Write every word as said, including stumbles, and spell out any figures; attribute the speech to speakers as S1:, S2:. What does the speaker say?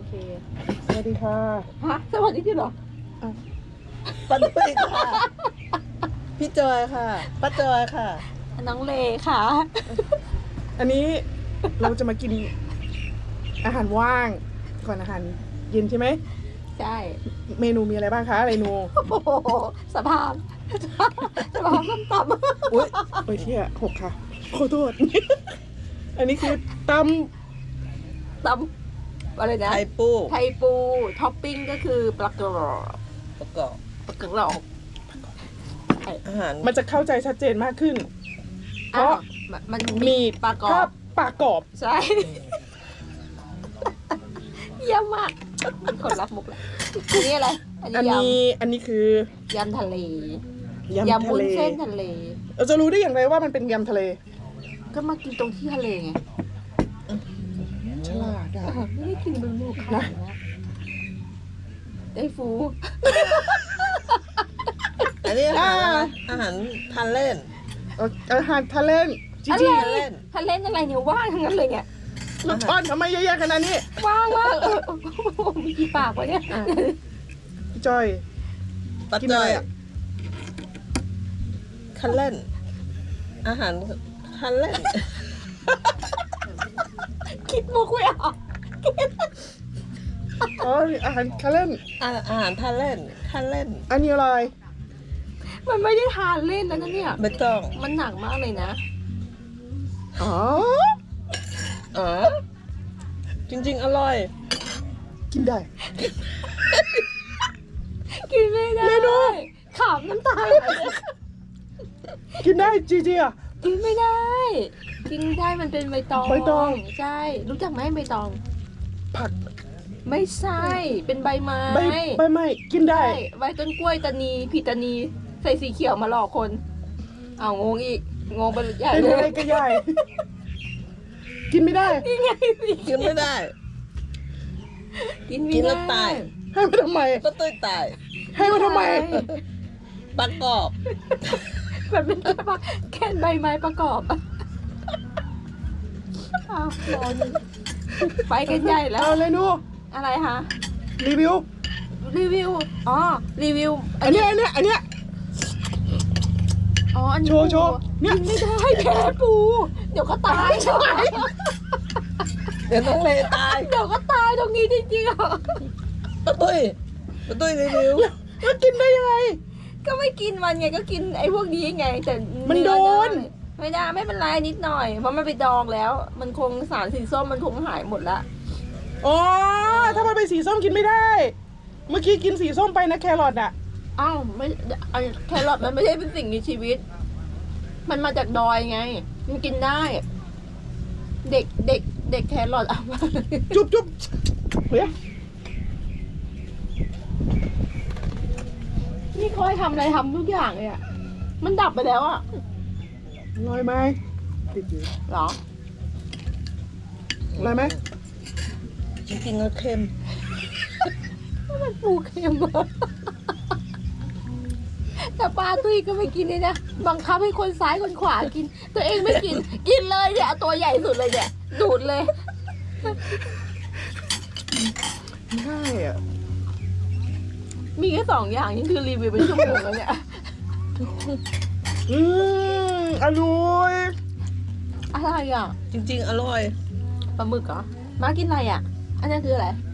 S1: เคสวัสดีค่ะ
S2: ฮะสวัสดีที่หรอ
S1: ป้าตุ้ยค่ะพี่จอยค่ะป้าจอยค่ะ
S2: น้องเลค่ะ
S1: อันนี้เราจะมากินอาหารว่างก่อนอาหารเย็นใช่ไหม
S2: ใช่
S1: เมนูมีอะไรบ้างคะเมนู
S2: โอ้โหสภาพสภาพส้มตำ
S1: อุ้ยโอ้ยเที่ยหกค่ะขอโทษ อันนี้คือต
S2: ตำอะไรนะ
S3: ไทยปู
S2: ไทยปูท็อปปิ้งก็คือปลากระรอก
S3: ประกอบ
S2: ปลากระรอก
S3: อาหาร
S1: ำมันจะเข้าใจชัดเจนมากขึ้น เพราะ
S2: อ้าวมันมัน
S1: มี
S2: ปลากรอ
S1: ภา
S2: บ
S1: พปลากรอบ
S2: ใช่เยี่ยมมากมีคนรับมุกแล้วอันนี้อะไร อัน
S1: อัน
S2: นี้ย
S1: นี้อันนี้คือ
S2: ำยำทะเล
S1: ยำ
S2: ยำ
S1: ทะ
S2: วุ้น
S1: เล
S2: เส้นทะเล
S1: เราจะรู้ได้อย่างไรว่ามันเป็นยำทะเล
S2: ก็มากินตรงที่ทะเลไง
S1: ฉลาดอะ
S2: ไม่ได้กินเป็นหมูขาวนะได้ฟู
S3: อันนี้อาหารอะไรอาหารทานเล่น
S1: เอาอาหารทะเลจี
S2: อะ
S1: จี
S2: ไร
S3: ทะเลน
S2: ทะเลนอะไรเนี่ยว่างทั้งนั้นเลยเนี่ย
S1: ลูกช้อนทำไมเยอะแยะขนาดนี้
S2: ว่างว่างเออมีกี่ปากวะเนี่ย
S1: พี่จอย
S3: ปัจ
S1: กิน
S3: จั
S1: อะไร
S3: ย
S1: อะ
S3: คันเล่น อาหารคันเล่น
S2: คิดมุกไม่ออก
S1: อ๋ออาหารทะเลน
S3: อาอาหารทานเล่นคันเล่น
S1: อันนี้อะไร
S2: มันไม่ได้ทานเล่นแล้วนะเนี่ย
S3: ไม่ต้อง
S2: มันหนักมากเลยนะ
S1: อ๋อ
S3: อ๋อจริง ๆ อร่อย
S1: กินได้
S2: กินไม่ได้
S1: เมนู
S2: ขำน้ำตาไหล
S1: กินได้จีจีอ่ะ
S2: กินไม่ได้ กินได้มันเป็นใบตอง
S1: ใบตอง
S2: ใช่ รู้จักไหมใบตอง
S1: ผัก
S2: ไม่ใช่ เป็นใบไม้
S1: ใบใบไม้กินได้
S2: ใช่ใบต้นกล้วยตานีผิดตานี ใส่สีเขียวมาหลอกคน เอางงอีก งงไปใหญ่
S1: เป็น
S2: เล
S1: อะไร
S2: ย
S1: ก็ใหญ่ กินไม่ได้
S2: นี่ไงสิ
S3: กินไม่ได้
S2: กินไม่
S3: กินแล้
S2: ได้
S3: วตาย
S1: ให้มาทำไม
S3: ก็ตุ้ยตาย
S1: ให้มาทำไม
S3: ประกอบ
S2: มันเป็นแค่ว่าแค่ใบไม้ประกอบอะอ้าวรอนี่ไปกันใหญ่แล้ว
S1: เอาเลยนู
S2: อะไรคะ
S1: รีวิว
S2: รีวิว อ๋อ รีวิว
S1: อันเนี้ยอันเนี้ยอันเนี้ย
S2: อ๋อ อันนี้
S1: โชว์โชว์
S2: ปู
S1: เนี่ย
S2: กินไม่ได้แพ้ปู เดี๋ยวก็ตาย
S3: เดี๋ยวน้องเลตาย
S2: เดี๋ยวก็ตายตรงนี้จริงๆอ่ะ
S3: ป้าตุ้ยป้าตุ้ยรีวิว
S1: แล้วกินได้ยังไง
S2: ก็ไม่กินมันไงก็กินไอ้พวกนี้ไง แต่
S1: มันโดน
S2: ไม่ได้ไม่เป็นไรนิดหน่อย เพราะมันไปดองแล้ว มันคงสารสีส้มมันคงหายหมดละ
S1: อ๋อ ถ้ามันเป็นสีส้มกินไม่ได้ เมื่อกี้กินสีส้มไปนะแครอทอ่ะ
S2: อ้าวไม่ไอ้แครอทมันไม่ใช่เป็นสิ่งมีชีวิต มันมาจากดอยไง มันกินได้ เด็กเด็กเด็กแครอทเอามา
S1: จุ๊บจุ๊บเฮ้ย
S2: นี่คอยทำอะไรทำทุกอย่างเลยอ่ะ มันดับไปแล้วอ่ะ
S1: อร่อยไหมติดอยู่
S2: เหรอ
S1: อร่อยไหม
S3: จริงๆก็เค็ม
S2: มันปูเค็มอะแต่ปลาตุ้ยก็ไม่กินเลยนะ บังคับให้คนซ้ายคนขวากิน ตัวเองไม่กิน กินเลยเนี่ยเอาตัวใหญ่สุดเลยเนี่ย ดูดเลย
S1: ไม่ได้อ่ะ
S2: มีแค่สองอย่างนี่คือรีวิวเป็นชั่วโมงแล้วเนี่ย
S1: อืมอร่อย
S2: อะไรอ่ะ
S3: จริง ๆ อร่อย
S2: ปลาหมึกเหรอ มากินอะไรอ่ะ อันนั้นคืออะไร